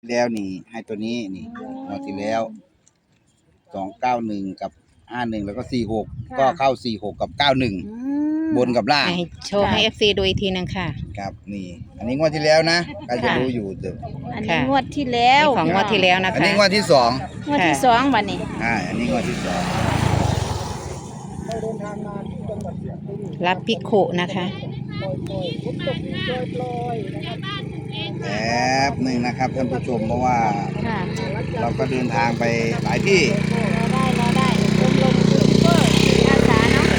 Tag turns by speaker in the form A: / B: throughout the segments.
A: แล้วนี่ให้ตัวนี้นี่งวดที่แล้ว291กับ51แล้วก็46ก็เข้า46กับ91บนกับล่าง
B: ให้โชว์ให้ FC ดูอีกทีนึงค่ะ
A: ครับนี่อันนี้งวดที่แล้วนะใครจะรู้อยู่เด้อ
C: อันนี้งวดที่แล้ว
B: ของงวดที่แล้วนะคะ
A: อันนี้งวดที่2
C: งวดที่2วันนี้
A: อันนี้งวดที่2
B: รับพิโคนะคะ
A: แป๊บหนึ่งนะครับท่านผู้ชมเพราะว่าเราก็เดินทางไปหลายที่
C: รอได้ลมยูทูบเบอร์อาสาเนาะ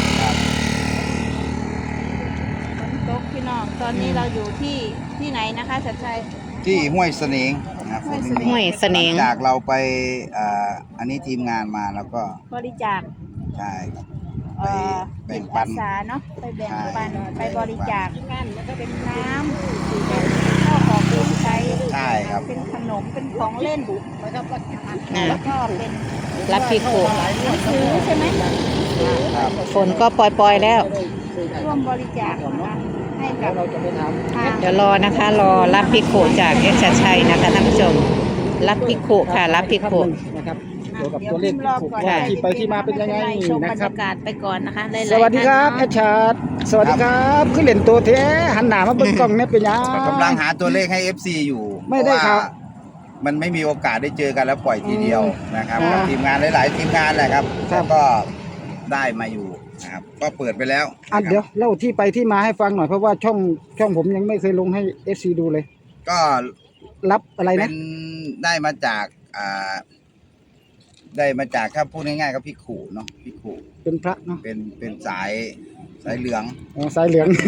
C: ฝนตกพี่น้องตอนนี้เราอยู่ที่ไหนนะคะชัดชัย
A: ที่ห้วยเสนงนะครับ
B: ห้วยเสนง
A: จากเราไปอันนี้ทีมงานมาแล้วก็
C: บริจาค
A: ใช่ครับไปแบ่งปัน
C: อาสาเนาะไปแบ่งปันไปบริจาคแล้วก็เป็นน้ำเป็นข้าวของเครื่องใช้
A: ใช่ครับ
C: เป็นขนมเป็นของเล่นแล้วก็เป็น
B: รับพิโค
C: ซื้อใช่ไหม
B: ฝนก็ปล่อยๆแล้ว
C: ร่วมบริจาคนะคะให้กับ
B: เดี๋ยวรอนะคะรอรับพิโคจากเอชชัยนะคะท่านผู้ชมรับพิโคค่ะรับพิโค
D: นะครับเกี่ยวกับตัวเลขที่ไปที่มาเป็นยังไง
C: นะครับบรรยากาศไปก่อนนะคะ
D: สวัสดีครับแอดชาร์ดสวัสดีครับขึ้นเล่นตัวแท้หันหน้ามาเบิ่งกล้องเนี่ยเป็นยัง
A: กำลังหาตัวเลขให้ FC อยู่
D: ไม่ได้ครับ
A: มันไม่มีโอกาสได้เจอกันแล้วปล่อยทีเดียวนะครับกับทีมงานหลายๆทีมงานแหละครับก็ได้มาอยู่นะครับก็เปิดไปแล้ว
D: เดี๋ยวเล่าที่ไปที่มาให้ฟังหน่อยเพราะว่าช่องผมยังไม่เคยลงให้ FC ดูเลย
A: ก็
D: รับอะไรนะ
A: ได้มาจากถ้าพูดง่ายๆก็พิขุเนาะพิขุ
D: เป็นพระเนาะ
A: เป็นสายเหลือง
D: สายเหลือง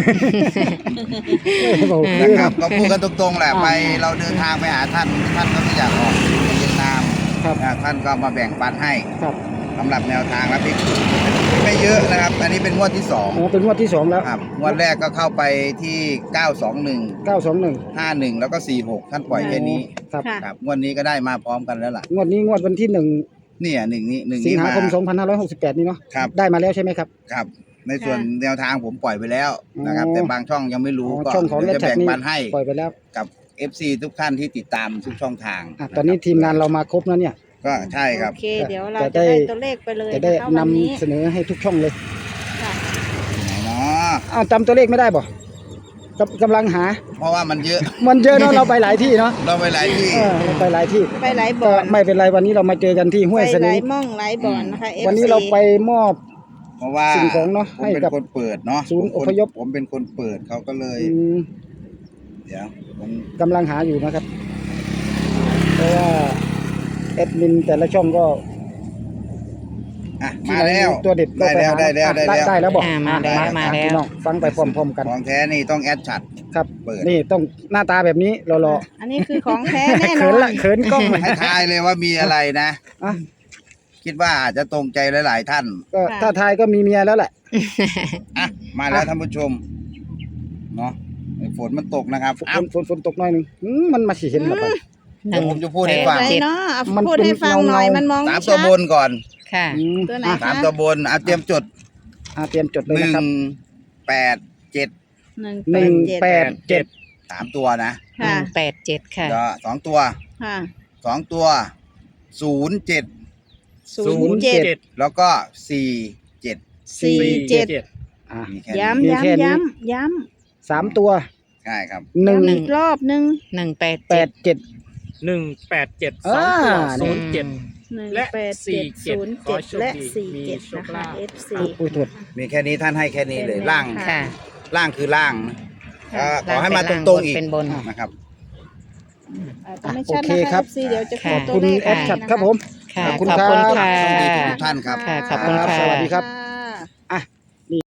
A: นะครับก็พูดกันตรงๆแหละไปเราเดินทางไปหาท่านก็ไม่อยากออกเวียดนามท่านก็มาแบ่งปันให้สำหรับแนวทางและพิขุไม่เยอะนะครับอันนี้เป็นงวดที่2
D: เป็นงวดที่2แล้ว
A: งวดแรกก็เข้าไปที่921 51แล้วก็46ท่านปล่อยแค่นี้ครับงวดนี้ก็ได้มาพร้อมกันแล้วล่ะ
D: งวดนี้งวดวันที่1
A: เนี่ย1
D: สิงหาคม2568นี่เนาะได้มาแล้วใช่ไหมครับ
A: ครับในส่วนแนวทางผมปล่อยไปแล้วนะครับแต่บางช่องยังไม่รู้ก็จะแบ่งปันให้
D: ปล่อยไปแล้ว
A: กับ FC ทุกท่านที่ติดตามทุกช่องทาง
D: ตอนนี้ทีมงานเรามาครบแล้วเนี่ย
A: ก็ใช่ครับ
C: โอเคเดี๋ยวเราจะได้ตัวเลขไปเลย
D: จะได้นำเสนอให้ทุกช่องเลย
A: เนาะ
D: จำตัวเลขไม่ได้บ่กำลังหา
A: เพราะว่ามันเยอะ
D: เนาะเราไปหลายที่เนาะ
A: เราไปหลายที่
D: เราไปหลายที่
C: ไปหลายบ่อน
D: ไม่เป็นไรวันนี้เรามาเจอกันที่ห้วยเสนง
C: หลายม่องหลายบ่อนนะคะ
D: วันนี้เราไปมอบ
A: เพราะว่า
D: สิ่งของเนาะ
A: ให้กับคนเปิดเนาะ
D: ศูนย์อพยพ
A: ผมเป็นคนเปิดเขาก็เลยเดี๋ยวผม
D: กำลังหาอยู่นะครับเพราะว่าแอดมินแต่ละช่องก็
A: มาแล้ว
D: ตัวเด็ด
A: ได้แล้ว
D: บอก
B: มาแล้ว
D: ฟังไปพร้อมๆกัน
A: ของแท้นี่ต้องแอดชัด
D: ครับนี่ต้องหน้าตาแบบนี้รอ
C: อันนี้คือของแท้แน่นอน
D: เขินกล้อง
A: ให้ทายเลยว่ามีอะไรนะคิดว่าอาจจะตรงใจหลายๆท่าน
D: ก็ถ้าทายก็มีเมียแล้วแหละ
A: มาแล้วท่านผู้ชมเนาะฝนมันตกนะครับ
D: ฝนตกหน่อยนึงมันมาเห็นหรอครับ
A: ผมจะพูดให้ฟัง
C: พูดให้ฟังหน่อยมันมอง
A: 3ตัวบนก่อน
B: ค่ะ
C: ตัวไหนคะ
A: 3ตัวบนเตรียมจด
D: เลยนะครับ
A: 187 3ตัวนะ
B: 187ค่ะ
A: 2ตัว2ตัว07แล้วก็47
C: ย้ำ
D: 3ตัว
A: ใช่ครับ
C: อีกรอบนึง
D: 187
E: 2ตัว07และ47
C: และ47นะคะ FC
A: มีแค่นี้ท่านให้แค่นี้เลยล่างคือล่างขอให้มาตรงๆอีก
B: เป็นบน
A: นะครับ
D: โอเคครับ
C: เดี๋ยวจะขอ
D: ขอบคุณแอดชัดครับผม
B: ขอบคุณค่ะ
A: ทุกท่านครับ
B: ขอบคุณค่ะ
D: สวัสดีครับ